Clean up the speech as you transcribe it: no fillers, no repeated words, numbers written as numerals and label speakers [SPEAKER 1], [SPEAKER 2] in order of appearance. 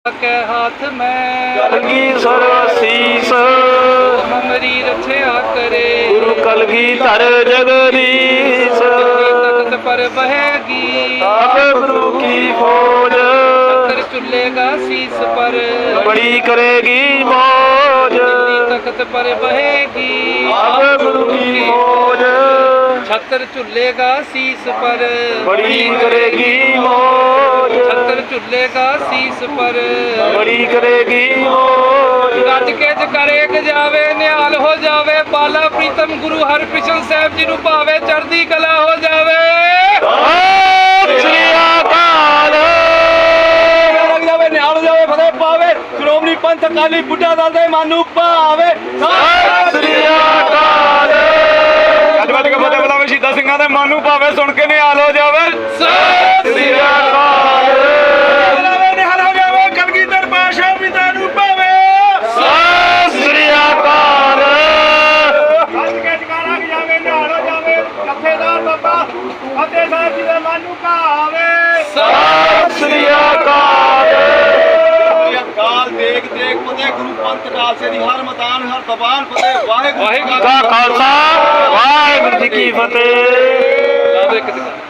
[SPEAKER 1] के हाथ में
[SPEAKER 2] कलगी सर्वशीष
[SPEAKER 1] हमारी रक्षा करे।
[SPEAKER 2] गुरु कलगीधर जगदीश
[SPEAKER 1] तख्त पर बहेगी
[SPEAKER 2] आप गुरु की फौज
[SPEAKER 1] छत्र चुल्लेगा शीस पर
[SPEAKER 2] बड़ी करेगी मौज
[SPEAKER 1] तख्त पर बहेगी
[SPEAKER 2] आप गुरु की फौज
[SPEAKER 1] छत्र चुल्लेगा शीस पर
[SPEAKER 2] बड़ी करेगी मौज
[SPEAKER 1] छत्र चुल्लेगा शीस पर
[SPEAKER 2] बड़ी करेगी मौज
[SPEAKER 1] गज के जकरे जावे निहाल हो जावे बाला प्रीतम गुरु हरकृष्ण साहब जी नु भावे चढ़दी कला हो जावे।
[SPEAKER 2] सत श्री अकाल
[SPEAKER 1] लग जावे निहाल हो जावे फतेह पावे श्रोमणी पंथ अकाली बुढ़ा दल दे मानू भावे।
[SPEAKER 2] सत श्री अकाल
[SPEAKER 1] ਗੱਜ ਵੱਜ ਕੇ ਫਤਿਹ ਬੁਲਾਵੇ ਸ਼ਹੀਦਾਂ ਸਿੰਘਾਂ ਦੇ ਮਨ ਨੂੰ ਭਾਵੇ ਸੁਣ ਕੇ ਨਿਹਾਲ ਹੋ ਜਾਵੇ।
[SPEAKER 2] ਸਤ श्री अकाल
[SPEAKER 1] ਬੁਲਾਵੇ ਨਿਹਾਲ ਹੋ ਜਾਵੇ ਕਲਗੀਧਰ ਪਾਤਸ਼ਾਹ ਪਿਤਾ ਨੂੰ ਭਾਵੇ।
[SPEAKER 2] ਸਤ श्री अकाल
[SPEAKER 1] ਗੱਜ ਕੇ ਜਕਾਰਾ ਜਾਵੇ ਨਿਹਾਲ ਹੋ ਜਾਵੇ ਜਥੇਦਾਰ ਬਾਬਾ ਫਤਿਹ ਸਾਹਿਬ ਜੀ ਦੇ ਮਨ ਨੂੰ ਭਾਵੇ।
[SPEAKER 2] ਸਤ श्री अकाल
[SPEAKER 1] ਅਕਾਲ ਦੇਖ ਦੇਖ ਫਤਿਹ ਗੁਰੂ ਪੰਥ ਖਾਲਸੇ ਦੀ ਹਰ ਮੈਦਾਨ ਹਰ ਦਬਾਨ ਫਤਿਹ ਵਾਹਿਗੁਰੂ
[SPEAKER 2] का खालसा वाहिगुरु जी की फतेह।
[SPEAKER 1] ਲਾ ਦੇ ਇੱਕ